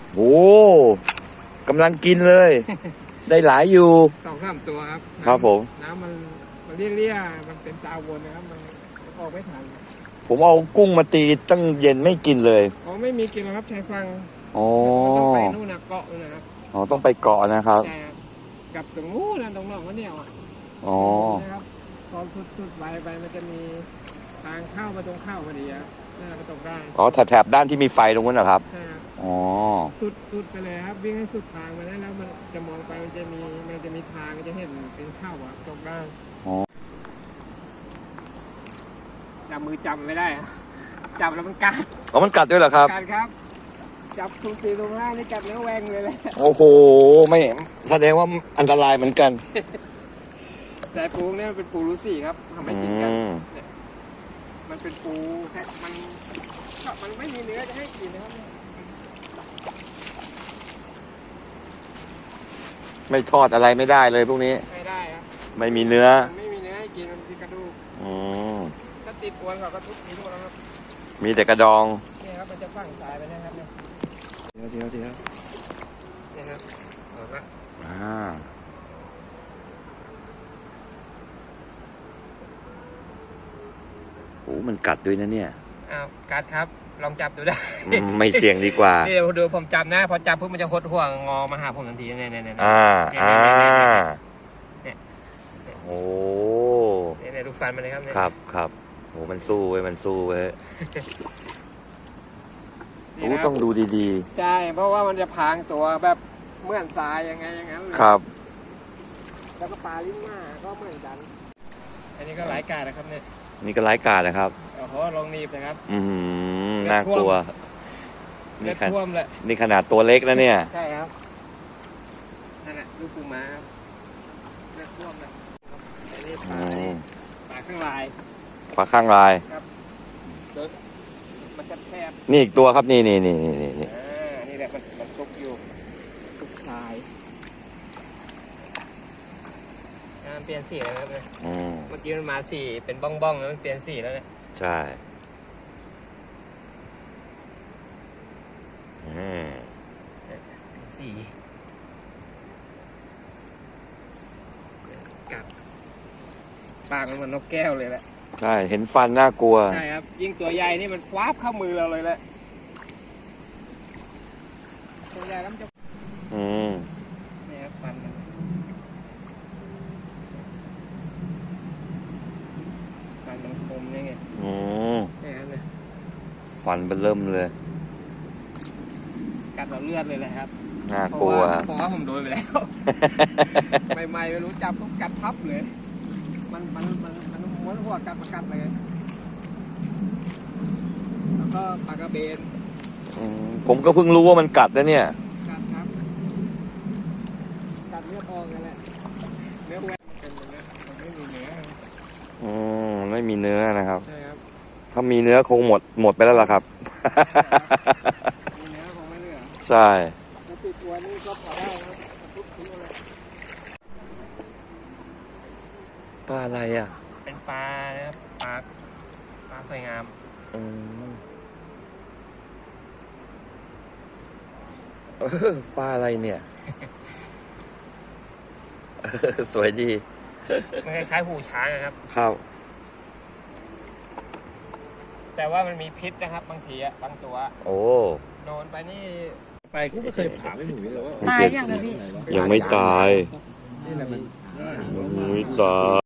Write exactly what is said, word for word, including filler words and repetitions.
โอ้กำลังกินเลย ได้หลายอยู่สองสามตัวครับครับผมน้ำมันมันเลี่ยๆมันเป็นตาวนนะครับมันออกไม่ทันผมเอากุ้งมาตีตั้งเย็นไม่กินเลยอ๋อไม่มีกินแล้วครับชายฟังอ๋อต้องไปนู่นนะเกาะนู่นนะครับอ๋อต้องไปเกาะนะครับใช่ครับกับตรงนู้นนะตรงนอกก็เนี่ยอ่ะอ๋อนะครับตอนสุดๆไปไปมันจะมีทางเข้ามาตรงเข้าพอดีครับน่าจะตรงได้อ๋อแถบด้านที่มีไฟตรงนั้นเหรอครับใช่ครับอ๋อสุดสุดไปเลยครับวิ่งให้สุดทางมาได้แล้วมันจะมองไปมันจะมีมันจะมีทางจะเห็นเป็นเข้าอ่ะตรงได้อ๋อจับมือจับไม่ได้จับแล้วมันกัดอ๋อมันกัดด้วยเหรอครับกัดครับจับทุกทีตรงหน้านี่กัดแล้วแหวงเลยแหละโอ้โหไม่แสดงว่าอันตรายเหมือนกันแต่ปูเนี่ยมันเป็นปูรูซี่ครับทำให้กินกันมันเป็นปูแค่มันมันไม่มีเนื้อจะให้กินนะครับไม่ทอดอะไรไม่ได้เลยพวกนี้ไม่ได้ครับไม่มีเนื้อไม่มีเนื้อให้กินมันมีกระดูกอืมถ้าติดอวนเขาก็ทุบทิ้งหมดแล้วครับมีแต่กระดองนี่ครับมันจะฝังสายไปนะครับเนี่ยเดี๋ยวเดี๋ยวเดี๋ยวนี่ครับออกละอ่าโอ้มันกัดด้วยนะเนี่ยอ้าวกัดครับลองจับดูได้ไม่เสี่ยงดีกว่านี่เดี๋ยวดูผมจับนะพอจับปุ๊บมันจะหดห่วงงอมาหาผมทันทีเนี่ยเนี่ยเนี่ยอ่าอ่าเนี่ยโอ้เนี่ยดูฟันมันเลยครับครับครับโอ้มันสู้เว้ยมันสู้เว้ยโอ้ต้องดูดีๆใช่เพราะว่ามันจะพางตัวแบบเหมือนทรายยังไงอย่างนั้นครับแล้วก็ปลาลิ้นหน้าก็เหมือนกันอันนี้ก็หลายกาดนะครับเนี่ยนี่ก็ไร้กาดนะครับโอ้โหลงนีบนะครับอืมน่ากลัวเลือดท่วมเลยนี่ขนาดตัวเล็กนะเนี่ยใช่ครับนั่นแหละลูกปูม้าครับเลือดท่วมเลยอันนี้ปลาปลาข้างลายปลาข้างลายครับมันจะแคบนี่อีกตัวครับนี่นี่นี่นี่นี่อ่านี่แหละมันมันตุกอยู่ตุกทรายเปลี่ยนสีแล้วครับเมื่อกี้มันมาสีเป็นบ้องๆแล้วมันเปลี่ยนสีแล้วเนี่ยใช่สีกัดปากมันเหมือนนกแก้วเลยแหละใช่เห็นฟันน่ากลัวใช่ครับยิ่งตัวใหญ่นี่มันคว้าเข้ามือเราเลยแหละตัวใหญ่แล้วมันจะอืมนี่ครับฟันมันฟันมันคมยังไงอืมนี่ครับเนี่ยฟันเบิ่มเลยกัดเราเลือดเลยแหละครับน่ากลัวเพราะว่าผมโดนไปแล้วใหม่ๆไม่รู้จับก็กัดทับเลยมันมันมันมันม้วนหัวกัดมากัดเลยแล้วก็ปลากระเบนผมก็เพิ่งรู้ว่ามันกัดนะเนี่ยกัดครับกัดเลือดออกกันแหละเนื้อแหวกเป็นอย่างนี้มันไม่มีเนื้ออืมไม่มีเนื้อนะครับใช่ครับถ้ามีเนื้อคงหมดหมดไปแล้วล่ะครับมีเนื้อคงไม่เหลือใช่ติดตัวนี่ก็พอได้ครับทุกทิ้งอะไรปลาอะไรอ่ะเป็นปลานะครับปลาปลาสวยงามอืมเออปลาอะไรเนี่ยสวยดีมันคล้ายๆหูช้างนะครับครับแต่ว่ามันมีพิษนะครับบางทีอะบางตัวโอ้โดนไปนี่ไปกูก็เคยถามไอ้หนูเลยว่าตายยังไงพี่ยังไม่ตายนี่แหละมันยังไม่ตาย